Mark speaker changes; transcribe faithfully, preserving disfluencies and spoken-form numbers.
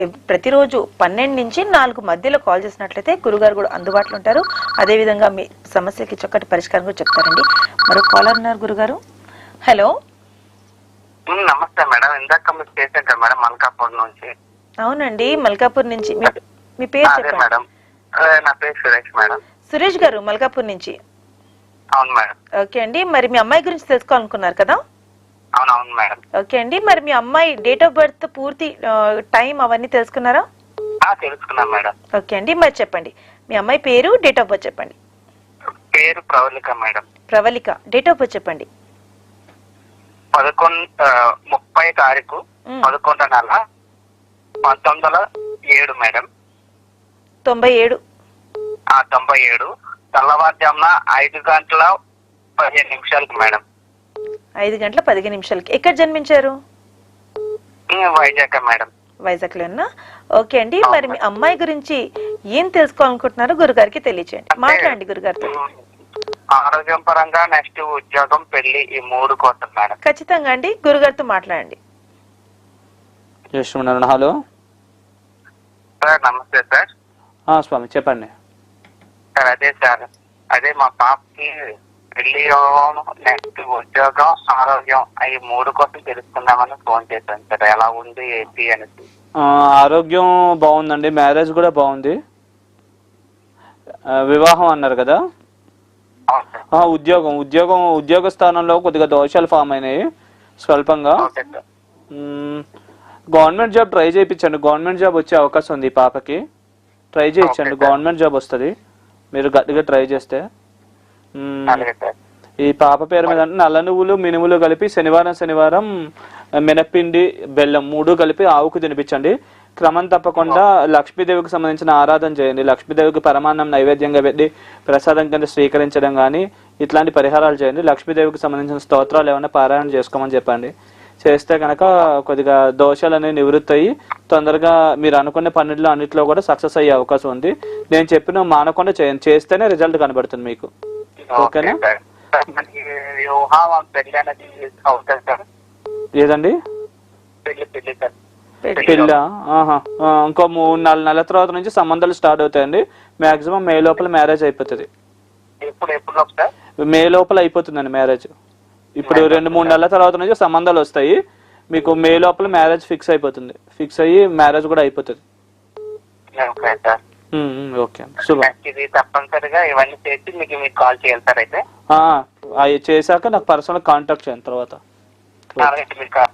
Speaker 1: ప్రతిరోజు పన్నెండు నుంచి నాలుగు మధ్యలో కాల్ చేసినట్లయితే గురుగారు కూడా అందుబాటులో ఉంటారు. అదేవిధంగా మీ సమస్యకి చక్కటి పరిష్కారం కూడా చెప్తారండి. మరో కాలర్ ఉన్నారు గురుగారు. హలో,
Speaker 2: నమస్తే మేడం. ఇందాక మీరు చేశారు కదా మేడం మల్కాపూర్ నుంచి.
Speaker 1: అవునండి, మల్కాపూర్ నుంచి. మీ పేరు చెప్పండి
Speaker 2: మేడం. నా పేరు సురేష్ మేడం.
Speaker 1: సురేష్ గారు మల్కాపూర్ నుంచి.
Speaker 2: అవును మేడం.
Speaker 1: ఓకే అండి, మరి మీ అమ్మాయి గురించి తెలుసుకోవాలనుకున్నారు కదా?
Speaker 2: అవును అవును మేడం.
Speaker 1: ఓకే అండి, మరి మీ అమ్మాయి డేట్ ఆఫ్ బర్త్, పూర్తి టైం అవన్నీ తెలుసుకున్నారా?
Speaker 2: తెలుసుకున్నాం మేడం.
Speaker 1: ఓకే అండి, మరి చెప్పండి మీ అమ్మాయి పేరు, డేట్ ఆఫ్ బర్త్ చెప్పండి.
Speaker 2: పేరు Pravalika madam.
Speaker 1: Pravalika. Date of birth చెప్పండి.
Speaker 2: పదకొండు ముప్పై తారీఖు పదకొండు నెల పంతొమ్మిది వందల ఏడు మేడం.
Speaker 1: తొంభై ఏడు
Speaker 2: తొంభై ఏడు తెల్లవారుజామున ఐదు గంటల పదిహేను నిమిషాలకు మేడం.
Speaker 1: ఐదు గంటల పదిహేను నిమిషాలకి. ఎక్కడ జన్మించారు?
Speaker 2: వైజాగ్ మేడం.
Speaker 1: వైజాగ్ లోనా? ఓకే అండి, మరి మీ అమ్మాయి గురించి ఏం తెలుసుకోవాలనుకుంటున్నారో గురుగారికి తెలియచేయండి. మాట్లాడండి గురుగారితో.
Speaker 2: ఆరోగ్యం పరంగా, నెక్స్ట్ ఉద్యోగం, పెళ్లి, ఈ మూడు కోసం మేడం.
Speaker 1: ఖచ్చితంగా అండి, గురుగారితో మాట్లాడండి.
Speaker 3: హలో
Speaker 2: సార్, నమస్తే సార్.
Speaker 3: స్వామి చెప్పండి
Speaker 2: సార్. అదే సార్, అదే మా పాపకి పెళ్లి, నెక్స్ట్ ఉద్యోగం, ఆరోగ్యం, ఈ మూడు కోసం తెలుసుకుందామని ఫోన్ చేశాను సార్. ఎలా ఉంది ఏంటి అనేసి.
Speaker 3: ఆరోగ్యం బాగుందండి, మ్యారేజ్ కూడా బాగుంది. వివాహం అన్నారు కదా? ఉద్యోగం ఉద్యోగం ఉద్యోగ స్థానంలో కొద్దిగా దోషాలు ఫామ్ అయినాయి స్వల్పంగా. గవర్నమెంట్ జాబ్ ట్రై చేయించండి, గవర్నమెంట్ జాబ్ వచ్చే అవకాశం ఉంది ఈ పాపకి. ట్రై చేయించండి, గవర్నమెంట్ జాబ్ వస్తుంది మీరు గట్టిగా ట్రై చేస్తే. ఈ పాప పేరు మీద నల్ల నువ్వులు, మినుములు కలిపి శనివారం శనివారం మినప్పిండి, బెల్లం మూడు కలిపి ఆవుకు తినిపించండి. క్రమం తప్పకుండా లక్ష్మీదేవికి సంబంధించిన ఆరాధన చేయండి. లక్ష్మీదేవికి పరమాన్నం నైవేద్యంగా పెట్టి ప్రసాదం కింద స్వీకరించడం కానీ ఇట్లాంటి పరిహారాలు చేయండి. లక్ష్మీదేవికి సంబంధించిన స్తోత్రాలు ఏమైనా పారాయణ చేసుకోమని చెప్పండి. చేస్తే కనుక కొద్దిగా దోషాలు అనేవి నివృత్తి అయ్యి తొందరగా మీరు అనుకునే పనుల్లో అన్నింటిలో కూడా సక్సెస్ అయ్యే అవకాశం ఉంది. నేను చెప్పిన మానకుండా చేయండి, చేస్తేనే రిజల్ట్ కనబడుతుంది మీకు. ఓకేనా? ఏదండి పెళ్ళ? ఇంకో మూడు నాలుగు నెలల తర్వాత నుంచి సంబంధాలు స్టార్ట్ అవుతాయండి. మాక్సిమం మే లోపల మ్యారేజ్ అయిపోతుంది. మే లోపల అయిపోతుందండి మ్యారేజ్. ఇప్పుడు రెండు మూడు నెలల తర్వాత నుంచి సంబంధాలు వస్తాయి మీకు. మే లోపల మ్యారేజ్ ఫిక్స్ అయిపోతుంది. ఫిక్స్ అయ్యి మ్యారేజ్ కూడా అయిపోతుంది. ఓకే,
Speaker 2: తప్పనిసరిగా ఇవన్నీ చేసి మీకు మీకు కాల్ చేయాలి సార్. అయితే
Speaker 3: చేశాక నాకు పర్సనల్ కాంటాక్ట్ చేయండి తర్వాత.